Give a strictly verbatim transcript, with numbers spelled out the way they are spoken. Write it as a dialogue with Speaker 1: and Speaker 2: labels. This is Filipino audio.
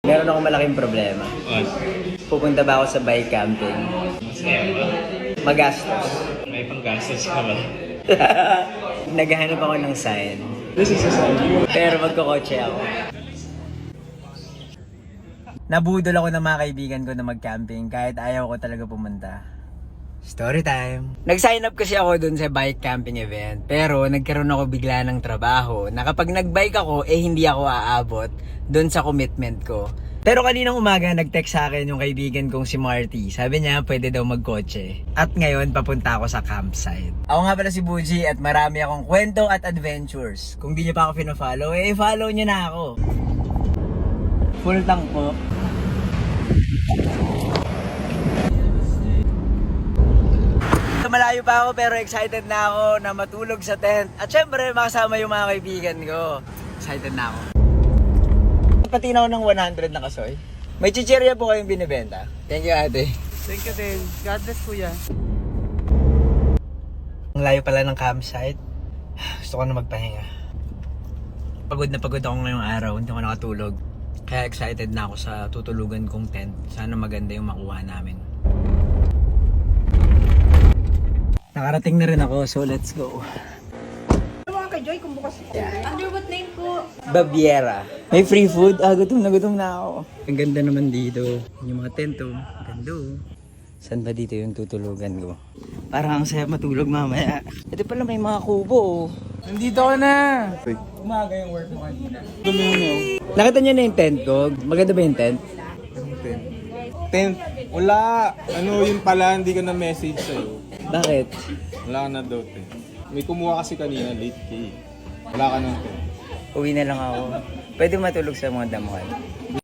Speaker 1: Meron akong malaking problema.
Speaker 2: What?
Speaker 1: Pupunta ba ako sa bike camping?
Speaker 2: Masaya ba?
Speaker 1: Magastos.
Speaker 2: May panggastos ka ba?
Speaker 1: Naghahanap ako ng sign.
Speaker 2: This is a sign.
Speaker 1: Pero magkakotse ako. Nabudol ako ng mga kaibigan ko na mag-camping kahit ayaw ko talaga pumunta. Story time! Nag-sign up kasi ako dun sa bike camping event. Pero nagkaroon ako bigla ng trabaho na kapag nag-bike ako, eh hindi ako aabot dun sa commitment ko. Pero kaninang umaga nag-text sa akin yung kaibigan kong si Marty. Sabi niya pwede daw magkotse. At ngayon papunta ako sa campsite. Ako nga pala si Buji at marami akong kwento at adventures. Kung di niyo pa ako pina-follow, eh follow niyo na ako. Full tank po. Malayo pa ako pero excited na ako na matulog sa tent. At syempre makasama yung mga kaibigan ko. Excited na ako. Pati na ako ng one hundred na kasoy. May chichirya po kayong binibenta. Thank you ate.
Speaker 3: Thank you din. God bless kuya.
Speaker 1: Ang layo pala ng campsite. Gusto ko na magpahinga. Pagod na pagod ako ngayong araw. Hindi ako nakatulog. Kaya excited na ako sa tutulugan kong tent. Sana maganda yung makuha namin. Nakarating na rin ako, so let's go.
Speaker 3: Ano mga kay Joy kung bukas?
Speaker 4: Under what name po?
Speaker 1: Baviera. May free food? Ah, gutom na gutom na ako. Ang ganda naman dito. Yung mga tento. Ang ganda oh. Saan ba dito yung tutulugan ko? Parang ang saya matulog mamaya. Ito pala may mga kubo oh.
Speaker 3: Nandito ka na.
Speaker 1: Umaga yung work mo kanina.
Speaker 3: Dumi mo.
Speaker 1: Nakita niyo na yung tent ko? Maganda ba yung tent?
Speaker 3: Tent. Tent. Wala. Ano yun pala, hindi ka na message sa'yo.
Speaker 1: Bakit?
Speaker 3: Wala ka na daw tent. May kumuha kasi kanina, late key. Wala ka ng tent.
Speaker 1: Uwi na lang ako. Pwede matulog sa mga damuhan.